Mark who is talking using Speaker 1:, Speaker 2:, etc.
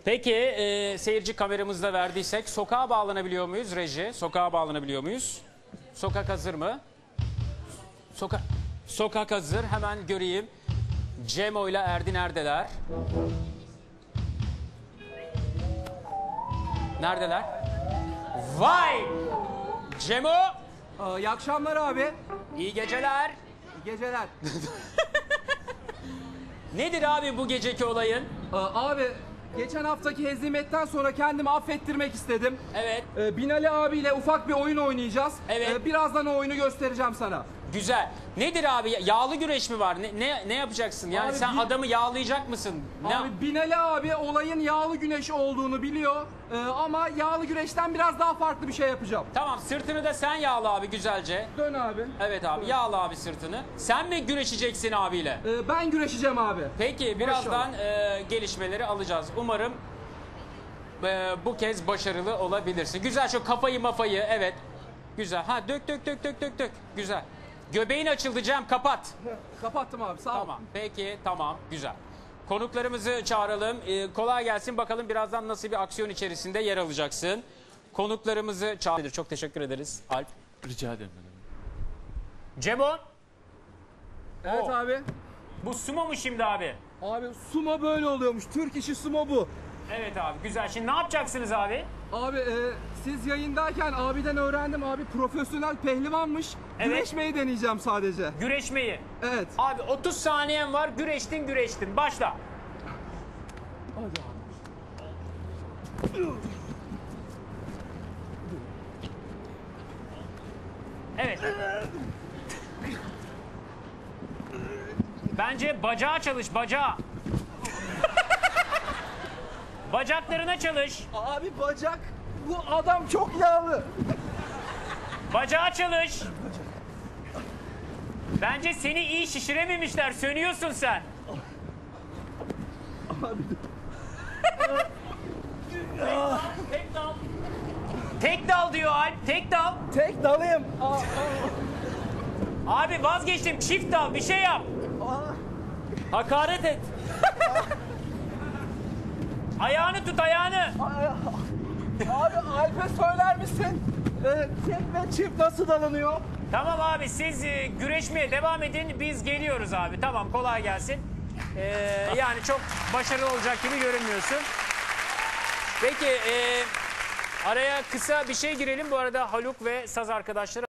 Speaker 1: Peki seyirci kameramızda verdiysek sokağa bağlanabiliyor muyuz reji? Sokağa bağlanabiliyor muyuz? Sokak hazır mı? Sokak hazır. Hemen göreyim. Cemo ile Erdi neredeler? Neredeler? Vay! Cemo!
Speaker 2: İyi akşamlar abi.
Speaker 1: İyi geceler.
Speaker 2: İyi geceler.
Speaker 1: Nedir abi bu geceki olayın?
Speaker 2: Abi geçen haftaki hezimetten sonra kendimi affettirmek istedim.
Speaker 1: Evet.
Speaker 2: Binali abiyle ufak bir oyun oynayacağız.
Speaker 1: Evet.
Speaker 2: Birazdan o oyunu göstereceğim sana.
Speaker 1: Güzel. Nedir abi? Yağlı güreş mi var? Ne yapacaksın? Yani
Speaker 2: Abi
Speaker 1: sen adamı yağlayacak mısın?
Speaker 2: Abi Binali abi olayın yağlı güreş olduğunu biliyor. Ama yağlı güreşten biraz daha farklı bir şey yapacağım.
Speaker 1: Tamam, sırtını da sen yağla abi güzelce.
Speaker 2: Dön abi.
Speaker 1: Evet abi, yağla abi sırtını. Sen mi güreşeceksin abiyle?
Speaker 2: Ben güreşeceğim abi.
Speaker 1: Peki birazdan gelişmeleri alacağız. Umarım bu kez başarılı olabilirsin. Güzel, şu kafayı mafayı, evet. Güzel. Ha, dök. Güzel. Göbeğin açıldı Cem, kapat.
Speaker 2: Kapattım abi, sağ ol.
Speaker 1: Tamam, peki, tamam, güzel. Konuklarımızı çağıralım. Kolay gelsin, bakalım birazdan nasıl bir aksiyon içerisinde yer alacaksın. Konuklarımızı çağıralım. Çok teşekkür ederiz Alp.
Speaker 3: Rica ederim.
Speaker 1: Cemo,
Speaker 2: Evet
Speaker 1: Oo.
Speaker 2: abi.
Speaker 1: bu sumo mu şimdi abi?
Speaker 2: Abi sumo böyle oluyormuş. Türk işi sumo bu.
Speaker 1: Evet abi, güzel. Şimdi ne yapacaksınız abi?
Speaker 2: Abi siz yayındayken abiden öğrendim, abi profesyonel pehlivanmış.
Speaker 1: Evet.
Speaker 2: Güreşmeyi deneyeceğim sadece.
Speaker 1: Güreşmeyi.
Speaker 2: Evet.
Speaker 1: Abi 30 saniyen var, güreştin. Başla.
Speaker 2: Hadi abi.
Speaker 1: Evet. Bence bacağa çalış, bacağa. Bacaklarına çalış.
Speaker 2: Abi bacak, bu adam çok yağlı.
Speaker 1: Bacağa çalış. Bence seni iyi şişirememişler. Sönüyorsun sen. Tek dal. Tek dal diyor Alp. Tek dal.
Speaker 2: Tek dalayım.
Speaker 1: Abi vazgeçtim. Çift dal. Bir şey yap. Hakaret et. Ayağını tut, ayağını.
Speaker 2: Abi Alp'e söyler misin? Tek ve çift nasıl dalanıyor?
Speaker 1: Tamam abi, siz güreşmeye devam edin. Biz geliyoruz abi. Tamam, kolay gelsin. Yani çok başarılı olacak gibi görünmüyorsun. Peki araya kısa bir şey girelim. Bu arada Haluk ve saz arkadaşları